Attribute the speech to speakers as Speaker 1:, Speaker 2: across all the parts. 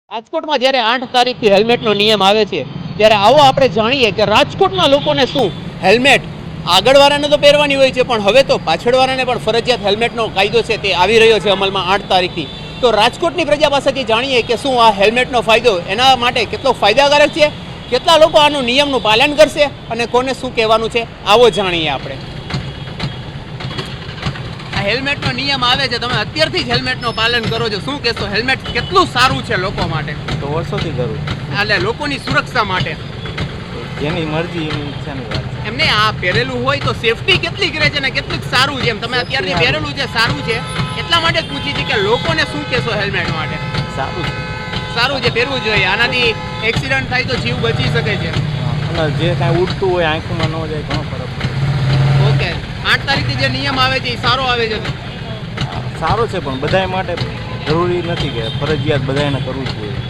Speaker 1: રાજકોટમાં જ્યારે 8 તારીખથી હેલ્મેટનો નિયમ આવે છે ત્યારે આવો આપણે જાણીએ કે રાજકોટના લોકોને શું હેલ્મેટ આગળવાળાને તો પહેરવાની હોય છે, પણ હવે તો પાછળવાળાને પણ ફરજિયાત હેલ્મેટનો કાયદો છે તે આવી રહ્યો છે અમલમાં 8 તારીખથી. તો રાજકોટની પ્રજા પાસેથી જાણીએ કે શું આ હેલ્મેટનો ફાયદો એના માટે કેટલો ફાયદાકારક છે, કેટલા લોકો આનું નિયમનું પાલન કરશે અને કોને શું કહેવાનું છે, આવો જાણીએ આપણે. હેલ્મેટનો નિયમ આવે છે, તમે અત્યારથી જ હેલ્મેટનું પાલન કરો છો, શું કહેશો? હેલ્મેટ કેટલું સારું છે લોકો માટે?
Speaker 2: તો વર્ષોથી કરું
Speaker 1: એટલે લોકોની સુરક્ષા માટે.
Speaker 2: જેની મરજી એની ઈચ્છાની વાત છે.
Speaker 1: એમને આ પહેરેલું હોય તો સેફટી કેટલી કરે છે ને કેટલું સારું છે? એમ તમે અત્યારથી પહેરેલું છે સારું છે, એટલા માટે જ પૂછી છે કે લોકોને શું કહેશો હેલ્મેટ માટે?
Speaker 2: સારું છે,
Speaker 1: સારું છે, પહેરવું જોઈએ. આનાથી એક્સિડન્ટ થાય તો જીવ બચી શકે છે.
Speaker 2: અને જે કાંઈ ઉડતું હોય આંખમાં ન જાય ઘણો ફરક પડે.
Speaker 1: ઓકે, 8 તારીખથી જે નિયમ આવે છે એ સારો આવે છે?
Speaker 2: સારો છે, પણ બધા માટે જરૂરી નથી કે ફરજિયાત બધાને કરવું જ જોઈએ.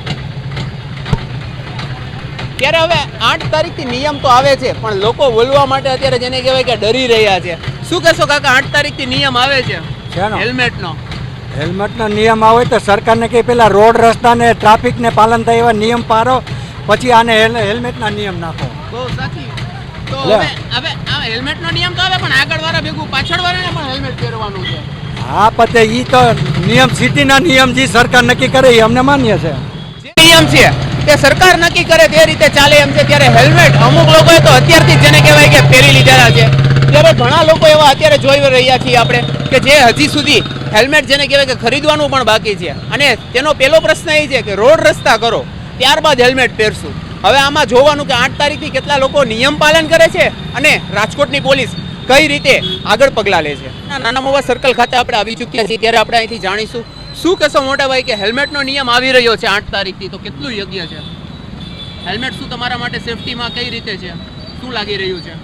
Speaker 1: ત્યારે હવે 8 તારીખથી નિયમ તો આવે છે, પણ લોકો બોલવા માટે અત્યારે જેને કહેવાય કે ડરી રહ્યા છે. શું કહેશો કાકા, 8 તારીખથી નિયમ આવે છે હેલ્મેટનો?
Speaker 3: હેલ્મેટનો નિયમ આવે તો સરકારને કે પેલા રોડ રસ્તાને ટ્રાફિકને પાલન થાય એવા નિયમ પાડો, પછી આને હેલ્મેટના નિયમ નાખો.
Speaker 1: બહુ સાચી. તો હવે આ હેલ્મેટનો નિયમ તો આવે, પણ આગળવાળા ભેગું પાછળવાળાને પણ હેલ્મેટ પહેરવાનું છે.
Speaker 3: હા, પછી એ તો નિયમ સિટીના નિયમ જે સરકાર નક્કી કરે એ અમને માન્ય છે.
Speaker 1: જે નિયમ છે તે સરકાર નક્કી કરે તે રીતે ચાલે એમ છે. ત્યારે હેલ્મેટ અમુક લોકોએ તો અત્યારથી જ જેને કહેવાય કે પહેરી લીધેલા છે. ત્યારે ઘણા લોકો એવા અત્યારે જોઈ રહ્યા છીએ આપણે કે જે હજી સુધી હેલ્મેટ જેને કહેવાય કે ખરીદવાનું પણ બાકી છે. અને તેનો પહેલો પ્રશ્ન એ છે કે રોડ રસ્તા કરો ત્યારબાદ હેલ્મેટ પહેરશું. હવે આમાં જોવાનું કે 8 તારીખથી કેટલા લોકો નિયમ પાલન કરે છે અને રાજકોટની પોલીસ કઈ રીતે આગળ પગલાં લે છે. નાના મોવા સર્કલ ખાતે આપણે આવી ચૂક્યા છીએ, ત્યારે આપણે અહીંથી જાણીશું શું કહેશો મોટા ભાઈ કે હેલ્મેટનો નિયમ આવી રહ્યો છે 8 તારીખથી, તો કેટલું યોગ્ય છે હેલ્મેટ? શું તમારા માટે સેફટીમાં કઈ રીતે છે, શું લાગી રહ્યું છે?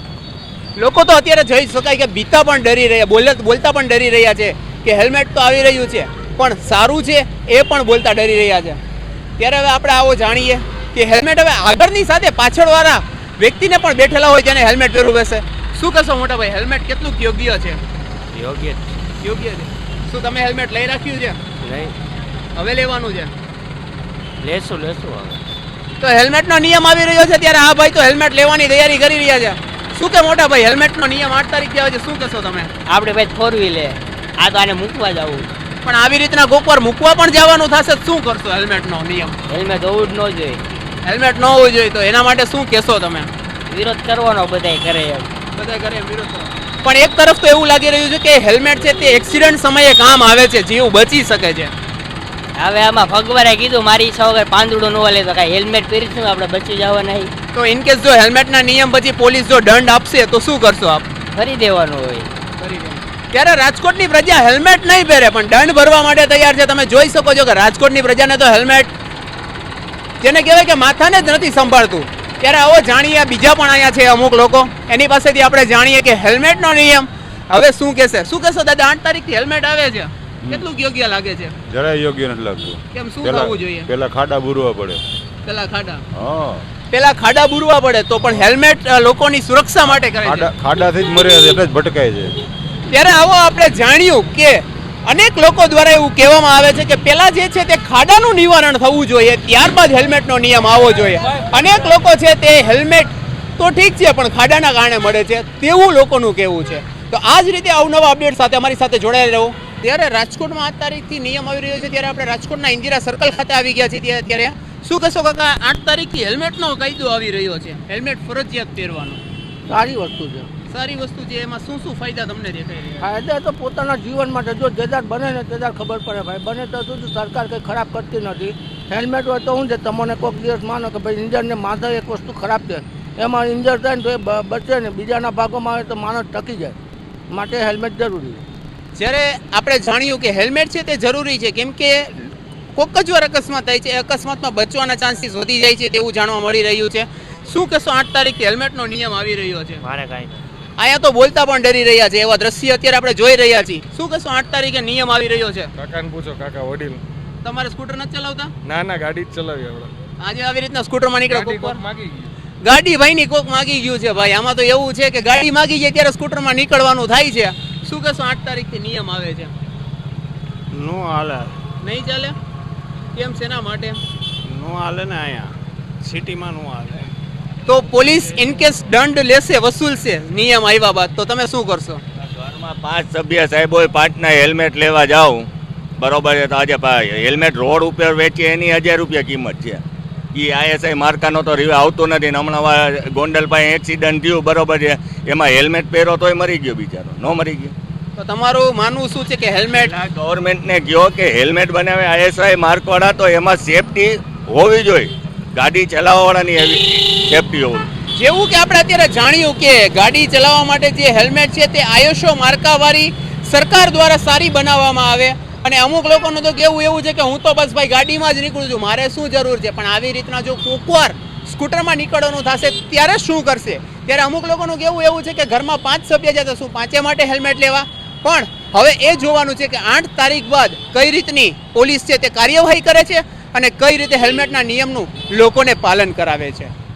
Speaker 1: લોકો તો અત્યારે જોઈ શકાય કે બીતા પણ ડરી રહ્યા, બોલતા પણ ડરી રહ્યા છે કે હેલ્મેટ તો આવી રહ્યું છે પણ સારું છે એ પણ બોલતા ડરી રહ્યા છે. ત્યારે હવે આપણે આવો જાણીએ કે હેલ્મેટ હવે આગળની સાથે પાછળવાળા વ્યક્તિને પણ બેઠેલા હોય તેને હેલ્મેટ પહેરવું બેસે. શું કહેશો મોટા ભાઈ, હેલ્મેટ કેટલું યોગ્ય છે?
Speaker 2: યોગ્ય
Speaker 1: યોગ્ય છે. શું તમે હેલ્મેટ લઈ રાખ્યું છે?
Speaker 2: નહીં,
Speaker 1: હવે લેવાનું છે?
Speaker 2: લેશું હવે.
Speaker 1: તો હેલ્મેટનો નિયમ આવી રહ્યો છે ત્યારે આ ભાઈ તો હેલ્મેટ લેવાની તૈયારી કરી રહ્યા છે. શું કે મોટા ભાઈ, હેલ્મેટનો નિયમ 8 તારીખથી આવે છે, શું કહેશો તમે?
Speaker 4: આપણે ભાઈ 4 વ્હીલે આ તો આને મૂકવા જવું,
Speaker 1: પણ આવી રીતના કોકવાર મૂકવા પણ જવાનું થશે, શું કરશો? હેલ્મેટનો નિયમ
Speaker 4: હેલ્મેટ હોવું જ ન જોઈએ.
Speaker 1: હેલ્મેટ ન હોવું જોઈએ, તો એના માટે શું કહેશો તમે?
Speaker 4: વિરોધ કરવાનો બધાય કરે એમ.
Speaker 1: બધા કરે એમ વિરોધ કરો. પણ એક તરફ તો એવું લાગી રહ્યું છે કે હેલ્મેટ છે તે એક્સિડન્ટ સમયે કામ આવે છે, જીવ બચી શકે છે.
Speaker 4: હવે આમાં ભગવાને કીધું મારી ઈચ્છા વગર પાંદડું ન લે તો કાંઈ હેલ્મેટ પહેરીશું આપણે બચી જવા નહીં.
Speaker 1: તો ઇનકેસ જો હેલ્મેટના નિયમ પછી પોલીસ જો દંડ આપશે તો શું કરશો આપ?
Speaker 4: ફરી દેવાનું હોય.
Speaker 1: ત્યારે રાજકોટની પ્રજા હેલ્મેટ નહીં પહેરે પણ દંડ ભરવા માટે તૈયાર છે. તમે જોઈ શકો છો કે રાજકોટની પ્રજાને તો હેલ્મેટ જેને કહેવાય કે માથાને જ નથી સંભાળતું. ત્યારે આવો જાણીએ, બીજા પણ અહીંયા છે અમુક લોકો, એની પાસેથી આપણે જાણીએ કે હેલ્મેટનો નિયમ હવે શું કહેશે. શું કહેશો દાદા, 8 તારીખથી હેલ્મેટ આવે છે, કેટલું યોગ્ય લાગે છે?
Speaker 5: જરાય યોગ્ય નથી લાગતું.
Speaker 1: કેમ, શું થવું જોઈએ?
Speaker 5: પેલા ખાડા બુરવા પડે.
Speaker 1: પેલા ખાડા બુરવા પડે તો પણ હેલ્મેટ લોકોની સુરક્ષા માટે કરે છે.
Speaker 5: ખાડાથી જ મરે એટલે જ ભટકાય છે.
Speaker 1: ત્યારે આવો આપણે જાણ્યું કે અનેક લોકો દ્વારા એવું કહેવામાં આવે છે કે પેલા જે છે તે ખાડાનું નિવારણ થવું જોઈએ, ત્યારબાદ હેલ્મેટનો નિયમ આવવો જોઈએ. અનેક લોકો છે તે હેલ્મેટ તો ઠીક છે પણ ખાડાના કારણે મળે છે તેવું લોકોનું કહેવું છે. તો આ જ રીતે અવનવા અપડેટ સાથે અમારી સાથે જોડાયેલા રહો. ત્યારે રાજકોટમાં 8 તારીખથી નિયમ આવી રહ્યો છે, ત્યારે આપણે રાજકોટના ઇન્દિરા સર્કલ ખાતે આવી ગયા છીએ. ત્યારે શું કહેશો કાકા, 8 તારીખથી હેલ્મેટનો કાયદો આવી રહ્યો છે, હેલ્મેટ ફરજિયાત પહેરવાનો?
Speaker 3: સારી વસ્તુ છે.
Speaker 1: સારી વસ્તુ છે. એમાં શું શું ફાયદા તમને દેખાય રહ્યા?
Speaker 3: ફાયદા તો પોતાના જીવન માટે જો જેદાર બને ને તેદાર ખબર પડે ભાઈ, બને તો શું સરકાર કંઈ ખરાબ કરતી નથી. હેલ્મેટ હોય તો શું છે, તમને કોઈક દિવસ માનો કે ભાઈ ઇન્જરને માથે એક વસ્તુ ખરાબ છે, એમાં ઇન્જર થાય ને તો એ બચે ને, બીજાના ભાગોમાં આવે તો માણસ ટકી જાય, માટે હેલ્મેટ જરૂરી છે.
Speaker 1: જ્યારે આપણે જાણ્યું કે હેલ્મેટ છે તે જરૂરી છે, કેમ કે કોઈક જ વાર અકસ્માત થાય છે, અકસ્માતમાં બચવાના ચાન્સીસ વધી જાય છે તેવું જાણવા મળી રહ્યું છે. શું કહેશો, 8 તારીખથી હેલ્મેટનો નિયમ આવી રહ્યો છે?
Speaker 4: મારે કાંઈ
Speaker 1: અહીંયા તો બોલતા પણ ડરી રહ્યા છે, એવા દ્રશ્ય અત્યારે આપણે જોઈ રહ્યા છીએ. શું કહેશો, 8 તારીખે નિયમ આવી રહ્યો છે?
Speaker 2: કાકાને પૂછો, કાકા વડીલ.
Speaker 1: તમારે સ્કૂટર નથી ચલાવતા?
Speaker 2: ના, ગાડી જ ચલાવી આપણે.
Speaker 1: આજે આવી રીતના સ્કૂટરમાં નીકળે કોક
Speaker 2: માગી ગયું.
Speaker 1: ગાડી ભાઈની કોક માગી ગયું છે ભાઈ. આમાં તો એવું છે કે ગાડી માગી જાય ત્યારે સ્કૂટરમાં નીકળવાનું થાય છે. શું કહેશો, 8 તારીખથી નિયમ આવે છે?
Speaker 2: નો હાલે.
Speaker 1: નહીં ચાલે? કેમ શેના માટે?
Speaker 6: નો હાલે ને અહીંયા સિટીમાં નો હાલે.
Speaker 1: તો પોલીસ ઇન કેસ દંડ લેશે, વસૂલશે નિયમ આવ્યા બાદ, તો તમે શું કરશો?
Speaker 7: ઘરમાં 5 સભ્ય સાહેબ હોય, 5ના હેલ્મેટ લેવા જાઉં બરોબર છે, તો આજે હેલ્મેટ રોડ ઉપર વેચીએ એની 1000 રૂપિયા કિંમત છે. એ ISI માર્કાનો તો રિવ્યુ આવતો નથી ને હમણાં ગોંડલ પાસે એક્સિડન્ટ થયું બરોબર છે, એમાં હેલ્મેટ પહેરો તોય મરી ગયો બિચારો, ન મરી ગયો.
Speaker 1: તો તમારું માનવું શું છે કે હેલ્મેટ
Speaker 7: ગવર્મેન્ટને કહો કે હેલ્મેટ બનાવે ISI માર્કવાળા, તો એમાં સેફટી હોવી જોઈએ, ગાડી ચલાવવાવાળાની એવી સેફટી હોવી.
Speaker 1: જેવું કે આપણે અત્યારે જાણ્યું કે ગાડી ચલાવવા માટે જે હેલ્મેટ છે તે ISO માર્કાવાળી સરકાર દ્વારા સારી બનાવવામાં આવે, અને અમુક લોકોનું તો કેવું એવું છે કે હું તો બસ ભાઈ ગાડીમાં જ નીકળું છું, મારે શું જરૂર છે. પણ આવી રીતના જો કોકવાર સ્કૂટરમાં નીકળવાનું થશે ત્યારે શું કરશે? ત્યારે અમુક લોકોનું કેવું એવું છે કે ઘરમાં 5 સભ્ય છે તો શું 5 માટે હેલ્મેટ લેવા? પણ હવે એ જોવાનું છે કે 8 તારીખ બાદ કઈ રીતની પોલીસ છે તે કાર્યવાહી કરે છે અને કઈ રીતે હેલ્મેટના નિયમનું લોકોને પાલન કરાવે છે.